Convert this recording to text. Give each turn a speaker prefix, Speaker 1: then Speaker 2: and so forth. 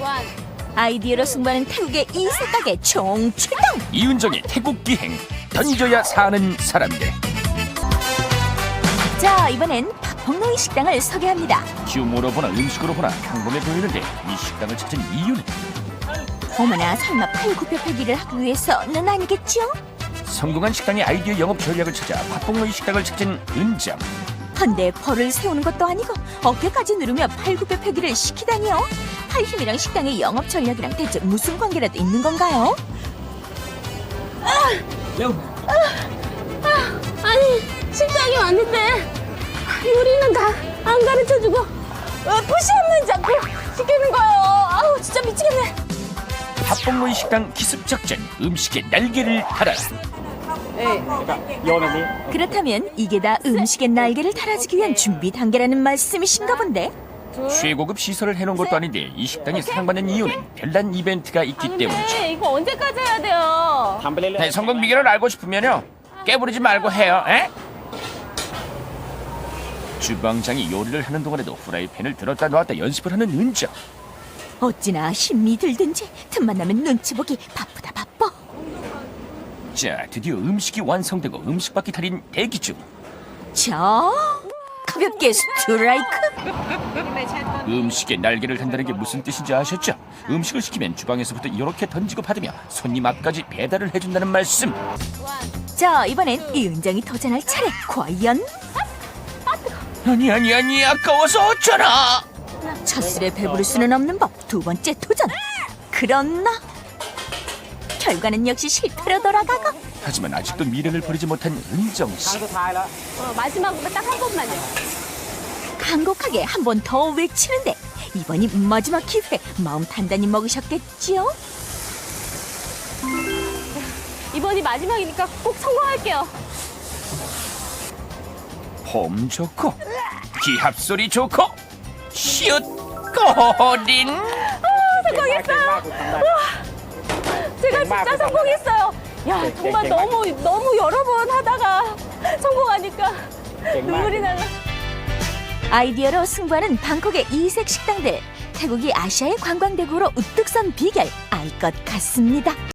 Speaker 1: 아이디어로 승부하는 태국의 이색 가게 총출동.
Speaker 2: 이은정의 태국 기행, 던져야 사는 사람들.
Speaker 1: 자, 이번엔 박폭로이 식당을 소개합니다.
Speaker 2: 규모로 보나 음식으로 보나 평범해 보이는데 이 식당을 찾은 이유는
Speaker 1: 어머나, 설마 팔굽혀펴기를 하기 위해서는 아니겠죠?
Speaker 2: 성공한 식당의 아이디어 영업 전략을 찾아 박봉로이 식당을 찾은 은정.
Speaker 1: 헌데 벌을 세우는 것도 아니고 어깨까지 누르며 팔굽혀펴기를 시키다니요. 팔힘이랑 식당의 영업 전략이랑 대체 무슨 관계라도 있는 건가요?
Speaker 3: 아니, 식당에 왔는데 요리는 다 안 가르쳐주고 푸시 없는 자꾸 시키는 거예요. 아우, 진짜 미치겠네.
Speaker 2: 박봉로이 식당 기습 작전, 음식의 날개를 달아라.
Speaker 1: 그렇다면 이게 다 음식의 날개를 달아주기 위한 준비 단계라는 말씀이신가 본데?
Speaker 2: 최고급 시설을 해놓은 것도 아닌데 이 식당이 사랑받는 이유는 별난 이벤트가 있기 때문이죠.
Speaker 3: 이거 언제까지 해야 돼요?
Speaker 2: 네, 성공 비결을 알고 싶으면요 깨부리지 말고 해요. 에? 주방장이 요리를 하는 동안에도 후라이팬을 들었다 놨다 연습을 하는 은정.
Speaker 1: 어찌나 힘이 들든지 틈만 나면 눈치 보기 바쁘다 바빠.
Speaker 2: 자, 드디어 음식이 완성되고 음식 바퀴 달인 대기 중.
Speaker 1: 자, 가볍게 스트라이크.
Speaker 2: 음식에 날개를 단다는 게 무슨 뜻인지 아셨죠? 음식을 시키면 주방에서부터 이렇게 던지고 받으며 손님 앞까지 배달을 해준다는 말씀.
Speaker 1: 자, 이번엔 이은정이 도전할 차례. 과연?
Speaker 2: 아니 아까워서 어쩌나.
Speaker 1: 첫술에 배부를 수는 없는 법. 두 번째 도전. 그러나 결과는 역시 실패로 돌아가고.
Speaker 2: 하지만 아직도 미련을 버리지 못한 은정씨.
Speaker 3: 마지막으로 딱 한 번만요.
Speaker 1: 간곡하게 한 번 더 외치는데 이번이 마지막 기회. 마음 단단히 먹으셨겠지요?
Speaker 3: 이번이 마지막이니까 꼭 성공할게요.
Speaker 2: 폼 좋고 기합 소리 좋고 슛 꼬린.
Speaker 3: 성공했어요. 제가 진짜 성공했어요. 야, 정말 너무 여러 번 하다가 성공하니까 눈물이 나네.
Speaker 1: 아이디어로 승부하는 방콕의 이색 식당들. 태국이 아시아의 관광대국으로 우뚝 선 비결 알 것 같습니다.